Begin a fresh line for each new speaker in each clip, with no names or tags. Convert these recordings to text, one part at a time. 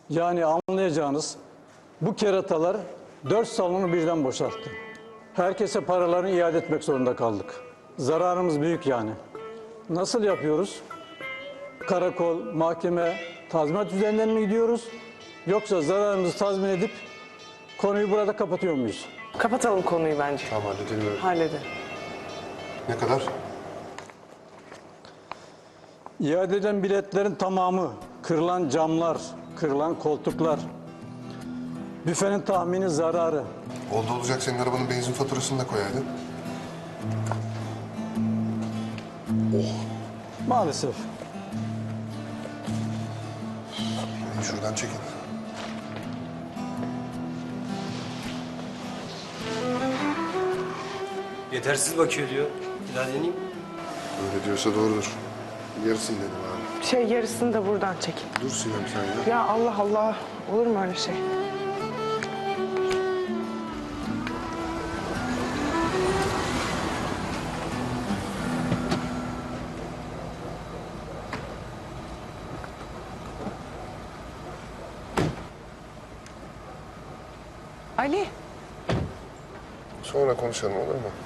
Yani anlayacağınız bu keratalar 4 salonu birden boşalttı. Herkese paralarını iade etmek zorunda kaldık. Zararımız büyük yani. Nasıl yapıyoruz? Karakol, mahkeme, tazminat üzerinden mi gidiyoruz? Yoksa zararımızı tazmin edip konuyu burada kapatıyor muyuz?
Kapatalım konuyu bence.
Tamam, halledelim.
Halledin.
Ne kadar?
İade edilen biletlerin tamamı, kırılan camlar, kırılan koltuklar, büfenin tahmini zararı.
Oldu olacak senin arabanın benzin faturasını da koyaydın.
Maalesef.
Şuradan çekin.
Yetersiz bakıyor diyor. Bir daha deneyeyim.
Öyle diyorsa doğrudur. Yarısını dedim abi.
Yarısını da buradan çekin.
Dur Sinem sen ya.
Ya Allah Allah. Olur mu öyle şey? Ali.
Sonra konuşalım olur mu?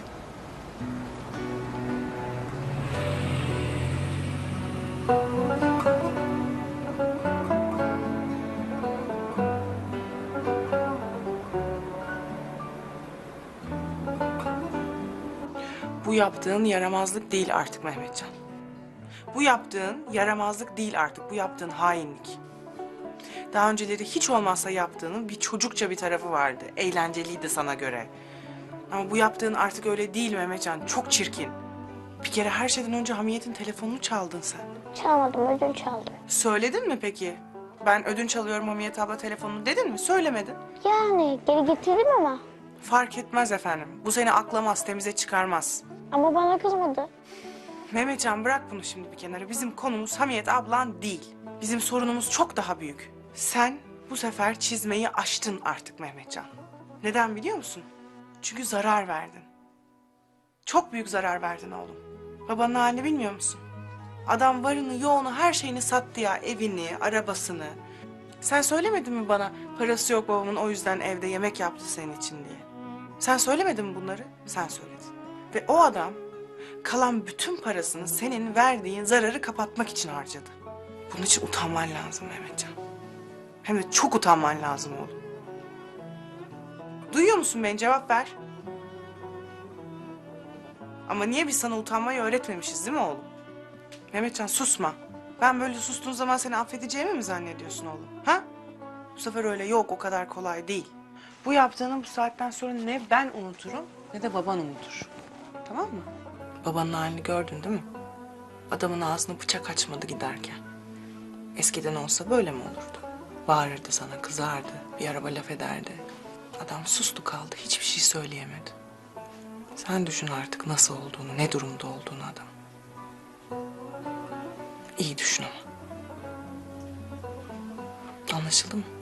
Bu yaptığın yaramazlık değil artık Mehmetcan. Bu yaptığın yaramazlık değil artık. Bu yaptığın hainlik. Daha önceleri hiç olmazsa yaptığının bir çocukça bir tarafı vardı. Eğlenceliydi sana göre. Ama bu yaptığın artık öyle değil Mehmetcan. Çok çirkin. Bir kere her şeyden önce Hamiyet'in telefonunu çaldın sen.
Çalmadım, ödünç aldım.
Söyledin mi peki? Ben ödünç alıyorum Hamiyet abla telefonunu dedin mi? Söylemedin.
Yani geri getirdim ama.
Fark etmez efendim. Bu seni aklamaz, temize çıkarmaz.
Ama bana kızmadı.
Mehmetcan bırak bunu şimdi bir kenara. Bizim konumuz Hamiyet ablan değil. Bizim sorunumuz çok daha büyük. Sen bu sefer çizmeyi aştın artık Mehmetcan. Neden biliyor musun? Çünkü zarar verdin. Çok büyük zarar verdin oğlum. Babanın halini bilmiyor musun? Adam varını, yoğunu, her şeyini sattı ya. Evini, arabasını. Sen söylemedin mi bana parası yok babamın o yüzden evde yemek yaptı senin için diye? Sen söylemedin mi bunları? Sen söyledin. Ve o adam kalan bütün parasını senin verdiğin zararı kapatmak için harcadı. Bunun için utanman lazım Mehmetcan. Hem de çok utanman lazım oğlum. Duyuyor musun beni? Cevap ver. Ama niye biz sana utanmayı öğretmemişiz değil mi oğlum? Mehmetcan susma. Ben böyle sustuğun zaman seni affedeceğimi mi zannediyorsun oğlum? Ha? Bu sefer öyle yok, o kadar kolay değil. Bu yaptığını bu saatten sonra ne ben unuturum ne de baban unutur. Tamam mı? Babanın halini gördün değil mi? Adamın ağzına bıçak açmadı giderken. Eskiden olsa böyle mi olurdu? Bağırırdı sana, kızardı, bir araba laf ederdi. Adam sustu kaldı, hiçbir şey söyleyemedi. Sen düşün artık nasıl olduğunu, ne durumda olduğunu adam. İyi düşün ama. Anlaşıldı mı?